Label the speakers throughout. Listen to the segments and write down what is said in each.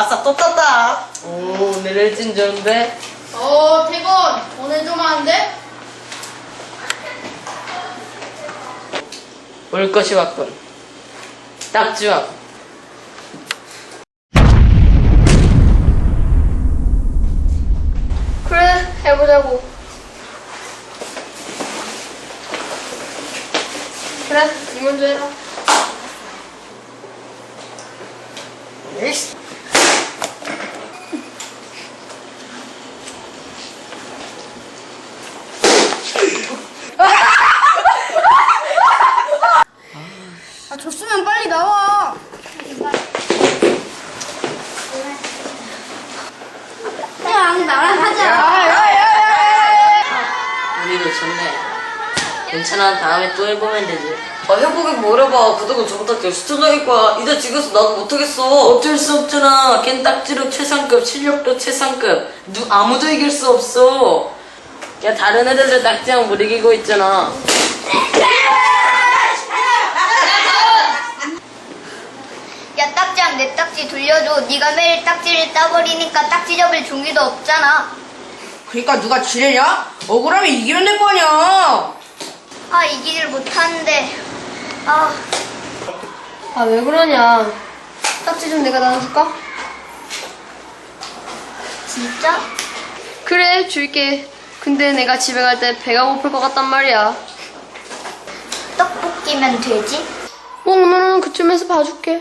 Speaker 1: 아싸 또 땄다.
Speaker 2: 오, 오늘 일진 좋은데?
Speaker 3: 태건 오늘 좀 하는데?
Speaker 2: 올 것이 왔군. 딱지왕.
Speaker 3: 그래, 해보자고. 그래, 니 먼저 해라.
Speaker 1: 에이씨.
Speaker 3: 아, 줬으면 빨리 나와. 그냥 나랑 하자.
Speaker 2: 우리도 좋네. 괜찮아, 다음에 또 해보면 되지.
Speaker 1: 해보긴 뭘 해봐. 그동안 저보다 더 수준적일 거야. 이제 지금서 나도 못하겠어.
Speaker 2: 어쩔 수 없잖아. 걘 딱지로 최상급, 실력도 최상급. 아무도 이길 수 없어. 야, 다른 애들도 딱지랑 못 이기고 있잖아.
Speaker 4: 야, 딱지랑 내 딱지 돌려줘. 네가 매일 딱지를 따버리니까 딱지 접을 종이도 없잖아.
Speaker 1: 그러니까 누가 지뢰냐? 억울하면 이기면 될 거 아니야.
Speaker 4: 아, 이기질 못하는데. 아,
Speaker 3: 아, 왜 그러냐. 딱지 좀 내가 나눠줄까?
Speaker 4: 진짜?
Speaker 3: 그래, 줄게. 근데 내가 집에 갈 때 배가 고플 것 같단 말이야.
Speaker 4: 떡볶이면 되지?
Speaker 3: 오늘은 그쯤에서 봐줄게.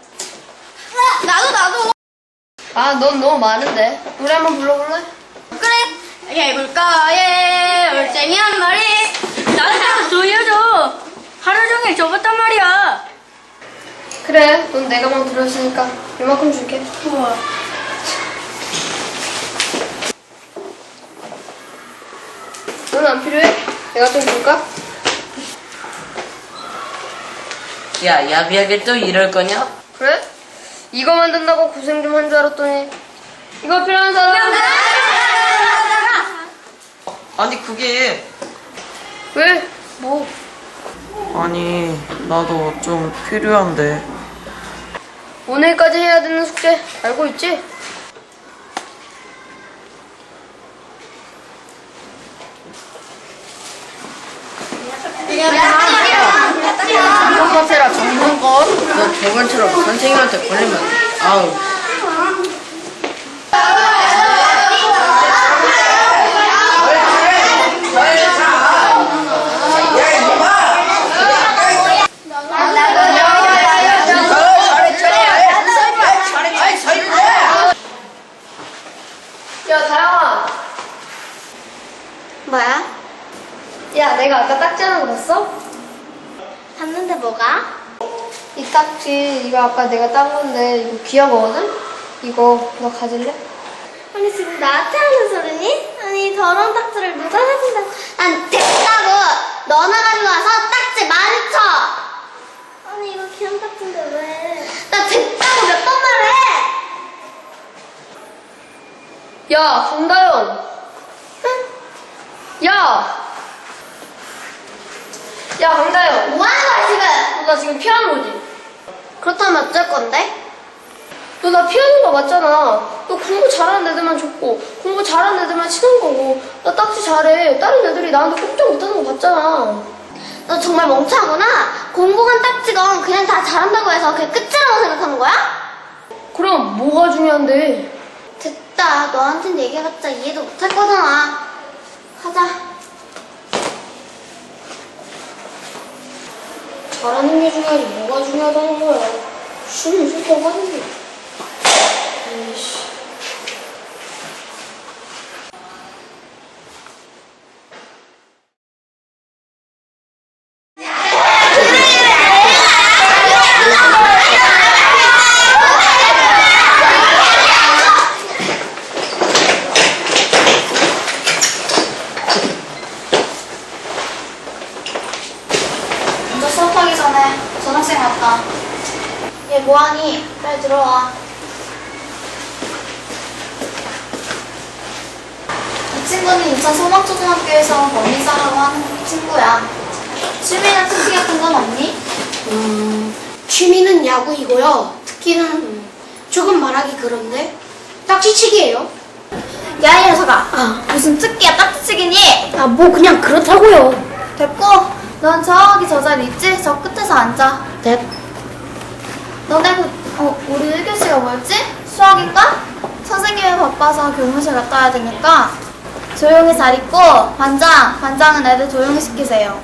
Speaker 4: 나도.
Speaker 3: 아, 넌 너무 많은데. 노래 한번 불러볼래?
Speaker 4: 그래. 해볼까, 예. 올챙이 한 마리.
Speaker 3: 나한테 돌려줘. 하루 종일 접었단 말이야. 그래, 넌 내가 막 들었으니까 이만큼 줄게. 우와. 넌 안 필요해? 내가 좀 줄까?
Speaker 2: 야, 야비하게 또 이럴 거냐?
Speaker 3: 그래? 이거 만든다고 고생 좀 한 줄 알았더니 이거 필요한 사람?
Speaker 1: 아니 그게
Speaker 3: 왜? 뭐?
Speaker 1: 아니 나도 좀 필요한데.
Speaker 3: 오늘까지 해야 되는 숙제 알고 있지?
Speaker 1: 전문 카페라 전문권? 너 저번처럼 선생님한테 걸리면 아우.
Speaker 3: 야, 다영아.
Speaker 4: 뭐야?
Speaker 3: 야, 내가 아까 딱지 하나 봤어?
Speaker 4: 봤는데 뭐가?
Speaker 3: 이 딱지 이거 아까 내가 딴 건데 이거 귀한 거거든? 이거 너 가질래?
Speaker 4: 아니, 지금 나한테 하는 소리니? 아니, 더러운 딱지를 누가 해준다고. 난 됐다고! 너나 가지고 와서 딱지 많이 쳐! 아니, 이거 귀한 딱지인데 왜? 나 됐다고 몇 번 말해!
Speaker 3: 야, 강다연. 야! 야, 강다연.
Speaker 4: 뭐 하는 거야, 지금?
Speaker 3: 너 나 지금 피하는 거지?
Speaker 4: 그렇다면 어쩔 건데?
Speaker 3: 너 나 피하는 거 맞잖아. 너 공부 잘하는 애들만 좋고, 공부 잘하는 애들만 친한 거고, 나 딱지 잘해. 다른 애들이 나한테 꼼짝 못하는 거 봤잖아.
Speaker 4: 너 정말 멍청하구나? 공부건 딱지건 그냥 다 잘한다고 해서 그게 끝이라고 생각하는 거야?
Speaker 3: 그럼 뭐가 중요한데?
Speaker 4: 됐다. 너한텐 얘기해봤자 이해도 못할 거잖아. 가자.
Speaker 3: 잘하는 게 중요하지 뭐가 중요하다는 거야. 쉬면 쉴 거가 아니지. 에이씨.
Speaker 4: 먼저 수업하기 전에 전학생 왔다. 얘 뭐하니? 빨리 들어와. 이 친구는 인천 소막초등학교에서 범인사라고 하는 친구야. 취미나 특기 같은 건 없니?
Speaker 3: 취미는 야구이고요. 특기는 조금 말하기 그런데 딱지치기예요.
Speaker 4: 야, 이 녀석아. 무슨 특기야, 딱지치기니?
Speaker 3: 아, 뭐 그냥 그렇다고요.
Speaker 4: 됐고, 넌 저기 저 자리 있지? 저 끝에서 앉아.
Speaker 3: 네.
Speaker 4: 너네 우리 1교시가 뭐였지? 수학인가? 선생님이 바빠서 교무실 갔다 와야 되니까 조용히 잘 있고, 반장은 애들 조용히 시키세요.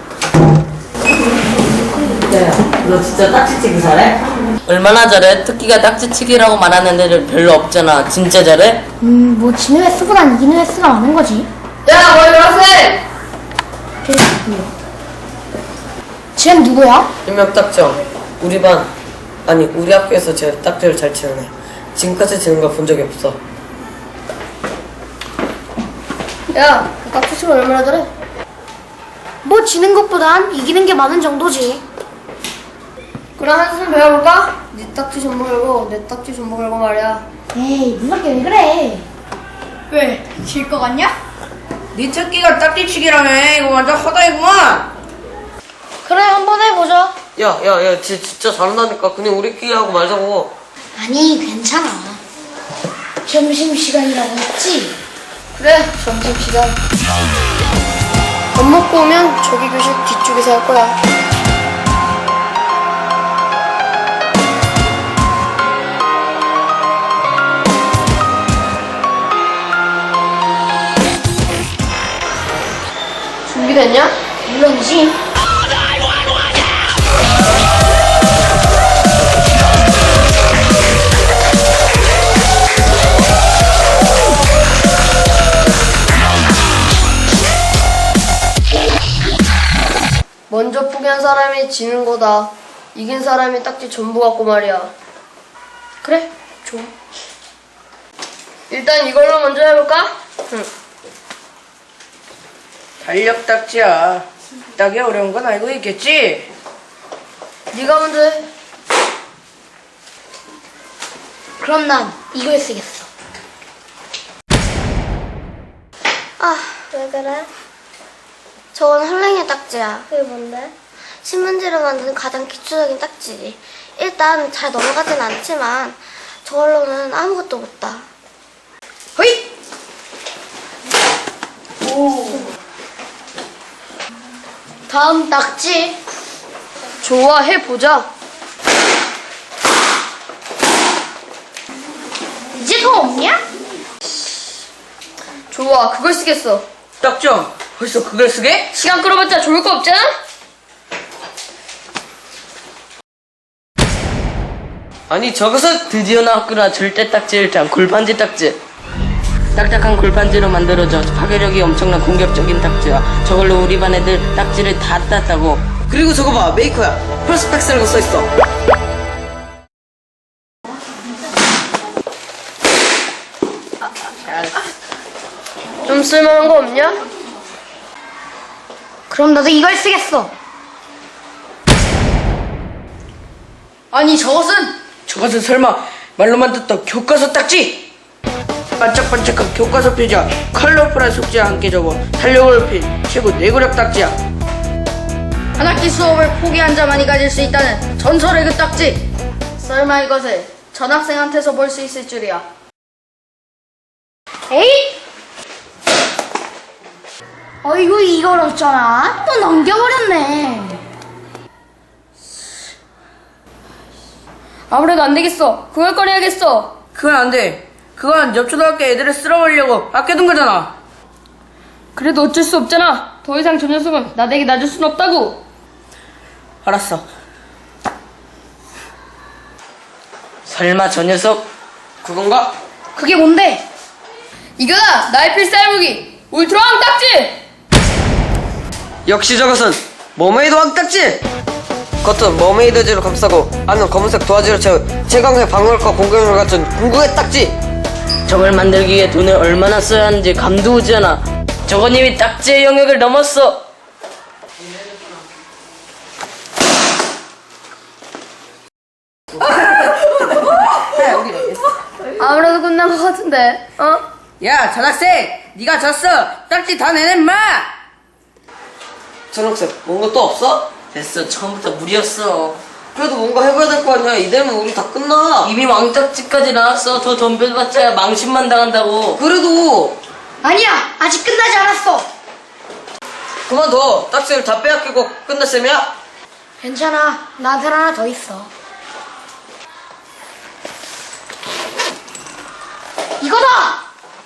Speaker 1: 야, 너 진짜 딱지치기 잘해?
Speaker 2: 얼마나 잘해? 특기가 딱지치기라고 말하는 애들 별로 없잖아. 진짜 잘해?
Speaker 3: 뭐 지는 횟수보단 이기는 횟수가 많은 거지.
Speaker 1: 야, 뭐 이러세?
Speaker 3: 쟤는 누구야?
Speaker 1: 일명 딱정. 우리 반, 아니 우리 학교에서 제일 딱지를 잘 치는 애. 지금까지 치는 걸 본 적이 없어.
Speaker 3: 야, 딱지치기 얼마나 잘해? 뭐 지는 것보단 이기는 게 많은 정도지. 그럼 한숨 배워볼까? 네 딱지 전부 걸고 내 딱지 전부 걸고 말이야. 에이, 무섭게 왜 그래?
Speaker 4: 왜? 질 것 같냐?
Speaker 2: 네 특기가 딱지치기라며. 이거 완전 허다이구만.
Speaker 3: 그래, 한번 해보자.
Speaker 1: 야, 진짜 잘한다니까. 그냥 우리끼리 하고 말자고.
Speaker 3: 아니, 괜찮아. 점심시간이라고 했지? 그래, 점심시간. 밥 먹고 오면 저기 교실 뒤쪽에서 할 거야. 준비됐냐? 물론이지. 먼저 포기한 사람이 지는 거다. 이긴 사람이 딱지 전부 갖고 말이야. 그래, 좋아. 일단 이걸로 먼저 해볼까? 응.
Speaker 2: 달력 딱지야. 딱이 어려운 건 알고 있겠지?
Speaker 3: 네가 먼저 해. 그럼 난 이걸 쓰겠어.
Speaker 4: 아, 왜 그래? 저건 헐랭이 딱지야. 그게 뭔데? 신문지로 만드는 가장 기초적인 딱지지. 일단 잘 넘어가진 않지만 저걸로는 아무것도 못 따.
Speaker 3: 허이! 오. 다음 딱지. 좋아, 해보자.
Speaker 4: 이제 더 없냐?
Speaker 3: 좋아, 그걸 쓰겠어.
Speaker 2: 딱정. 벌써 그걸 쓰게?
Speaker 3: 시간 끌어봤자 좋을 거 없잖아?
Speaker 1: 아니 저것은
Speaker 2: 드디어 나왔구나. 절대 딱지 1탄 골판지 딱지. 딱딱한 골판지로 만들어져 파괴력이 엄청난 공격적인 딱지야. 저걸로 우리 반 애들 딱지를 다 땄다고.
Speaker 1: 그리고 저거 봐 메이커야. 펄스팩스라고 써있어.
Speaker 3: 좀 쓸만한 거 없냐? 그럼 나도 이걸 쓰겠어. 아니,
Speaker 2: 저것은 설마 말로만 듣던 교과서 딱지? 반짝반짝한 교과서 표지와 컬러풀한 숙제와 함께 적어 탄력을 높인 최고 내구력 딱지야.
Speaker 3: 한 학기 수업을 포기한 자만이 가질 수 있다는 전설의 그 딱지. 설마 이것을 전학생한테서 볼 수 있을 줄이야. 에이?
Speaker 4: 어이구, 이걸 어쩌나? 또 넘겨버렸네.
Speaker 3: 아무래도 안 되겠어. 그걸 꺼내야겠어.
Speaker 2: 그건 안 돼. 그건 옆 초등학교 애들을 쓸어버리려고 아껴둔 거잖아.
Speaker 3: 그래도 어쩔 수 없잖아. 더 이상 저 녀석은 나에게 놔줄 순 없다고.
Speaker 2: 알았어. 설마 저 녀석
Speaker 1: 그건가?
Speaker 3: 그게 뭔데? 이거다! 나의 필살 무기! 울트라 왕딱지!
Speaker 1: 역시 저것은 머메이드 왕딱지! 겉은 머메이드지로 감싸고 안은 검은색 도화지로 채운 최강의 방어력과 공격력을 갖춘 궁극의 딱지!
Speaker 2: 저걸 만들기 위해 돈을 얼마나 써야 하는지 감도 오지 않아. 저건 이미 딱지의 영역을 넘었어.
Speaker 3: 아무래도 끝난 것 같은데, 어?
Speaker 2: 야, 전학생! 네가 졌어! 딱지 다 내놔, 인마!
Speaker 1: 전학생 뭔가 또 없어?
Speaker 2: 됐어, 처음부터 무리였어.
Speaker 1: 그래도 뭔가 해봐야 될 거 아니야. 이대로는 우리 다 끝나.
Speaker 2: 이미 왕딱지까지 나왔어. 더 덤벼봤자 망신만 당한다고.
Speaker 1: 그래도
Speaker 3: 아니야, 아직 끝나지 않았어.
Speaker 1: 그만둬. 딱지를 다 빼앗기고 끝낼 셈이야?
Speaker 3: 괜찮아, 나한테 하나 더 있어. 이거다!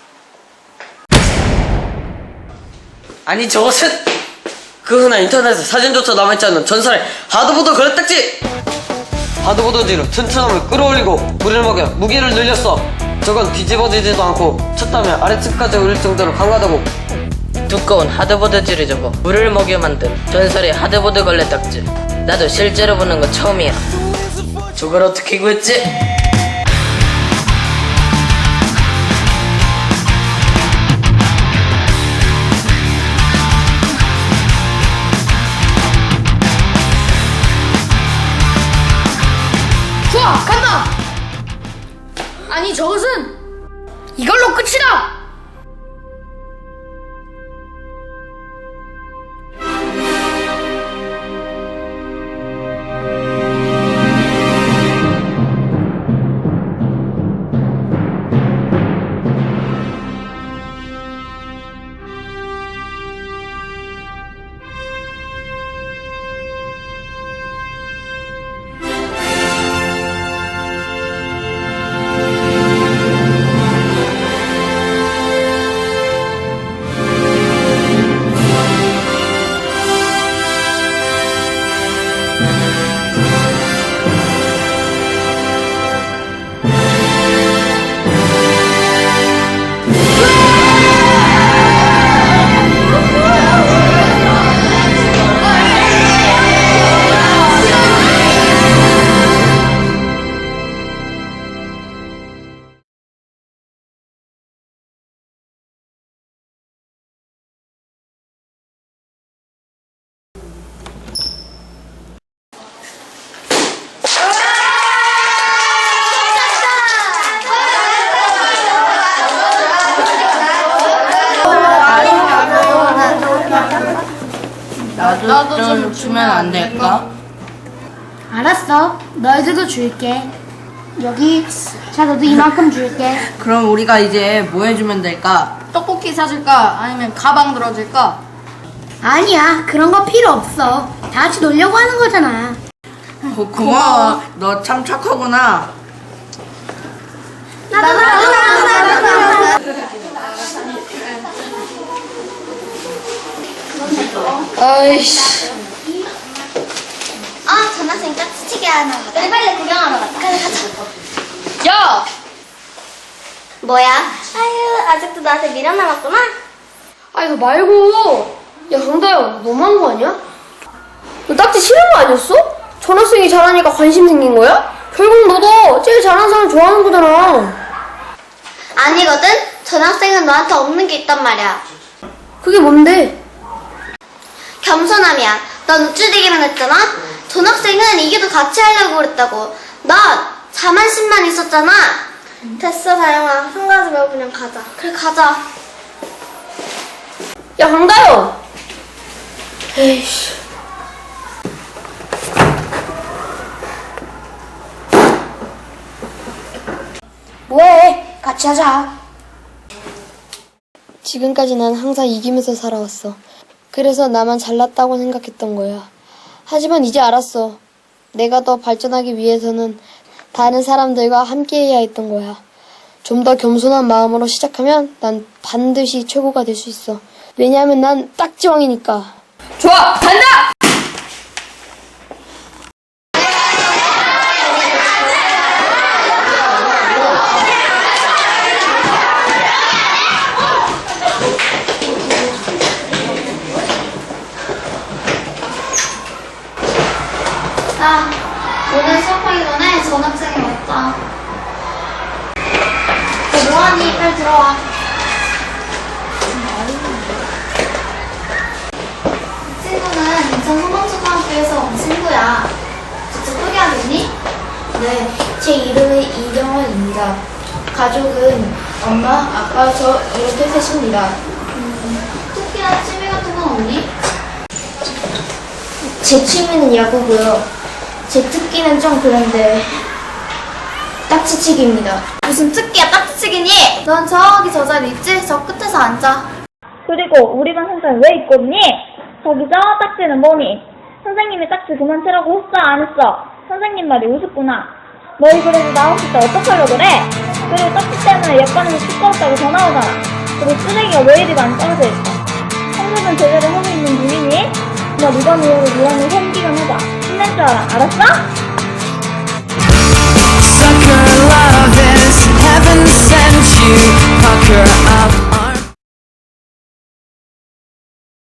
Speaker 1: 아니 저것은 그 흔한 인터넷에 사진조차 남아있지 않는 전설의 하드보드 거래딱지! 하드보드지로 튼튼함을 끌어올리고 물을 먹여 무게를 늘렸어. 저건 뒤집어지지도 않고 쳤다며 아래층까지 올릴 정도로 강하다고.
Speaker 2: 두꺼운 하드보드지를 접어 물을 먹여 만든 전설의 하드보드 걸레딱지. 나도 실제로 보는 건 처음이야. 저걸 어떻게 구했지?
Speaker 3: 좋아, 간다! 아니, 저것은 이걸로 끝이다!
Speaker 2: 나도 좀 주면 안 될까?
Speaker 3: 알았어. 너희들도 줄게. 여기, 자, 너도 이만큼 줄게.
Speaker 2: 그럼 우리가 이제 뭐 해주면 될까?
Speaker 5: 떡볶이 사줄까? 아니면 가방 들어줄까?
Speaker 3: 아니야, 그런 거 필요 없어. 다 같이 놀려고 하는 거잖아.
Speaker 2: 고마워. 너 참 착하구나.
Speaker 3: 나도.
Speaker 2: 아이씨.
Speaker 4: 아, 전학생 딱지치기 하나 가자. 빨리 구경하러 가자. 빨리 가자.
Speaker 5: 야!
Speaker 4: 뭐야? 아유, 아직도 나한테 미련 남았구나?
Speaker 3: 아, 이거 말고. 야, 강다영, 너무한 거 아니야? 너 딱지 싫은 거 아니었어? 전학생이 잘하니까 관심 생긴 거야? 결국 너도 제일 잘하는 사람 좋아하는 거잖아.
Speaker 4: 아니거든? 전학생은 너한테 없는 게 있단 말이야.
Speaker 3: 그게 뭔데?
Speaker 4: 겸손함이야. 넌 우쭐대기만 했잖아? 전학생은 이게도 같이 하려고 그랬다고. 넌 자만심만 있었잖아. 됐어, 다영아. 상관하지 말고 그냥 가자. 그래, 가자.
Speaker 3: 야, 강다영! 에이씨. 뭐해? 같이 하자. 지금까지 난 항상 이기면서 살아왔어. 그래서 나만 잘났다고 생각했던 거야. 하지만 이제 알았어. 내가 더 발전하기 위해서는 다른 사람들과 함께해야 했던 거야. 좀 더 겸손한 마음으로 시작하면 난 반드시 최고가 될 수 있어. 왜냐하면 난 딱지왕이니까.
Speaker 5: 좋아! 간다!
Speaker 4: 아, 오늘 수업하기 전에 전학생이 왔다. 너 뭐하니? 빨리 들어와. 이 친구는 인천 소방초등학교에서 온 친구야. 직접 소개하겠니?
Speaker 6: 네, 제 이름은 이경원입니다. 가족은 엄마, 아빠, 저 이렇게 셋입니다.
Speaker 4: 특별한 취미 같은 건 없니?
Speaker 6: 제 취미는 야구고요. 제 특기는 좀 그런데 딱지치기입니다.
Speaker 4: 무슨 특기야 딱지치기니? 넌 저기 저 자리 있지? 저 끝에서 앉아.
Speaker 7: 그리고 우리 반 선생님 왜 있거든요? 저기 저 딱지는 뭐니? 선생님이 딱지 그만 치라고 했어 안 했어? 선생님 말이 우습구나. 너희 그래도 나 없을 때 어떡하려고 그래? 그리고 딱지 때문에 옆반에서 시끄럽다고 전화 오잖아. 그리고 쓰레기가 왜 이리 많이 떨어져 있어? 청소는 제대로 하고 있는 중이니? 너 이번 이후로 유언을 홈기간 해봐. 힘낼 줄 알아. 알았어?
Speaker 8: Sucker loving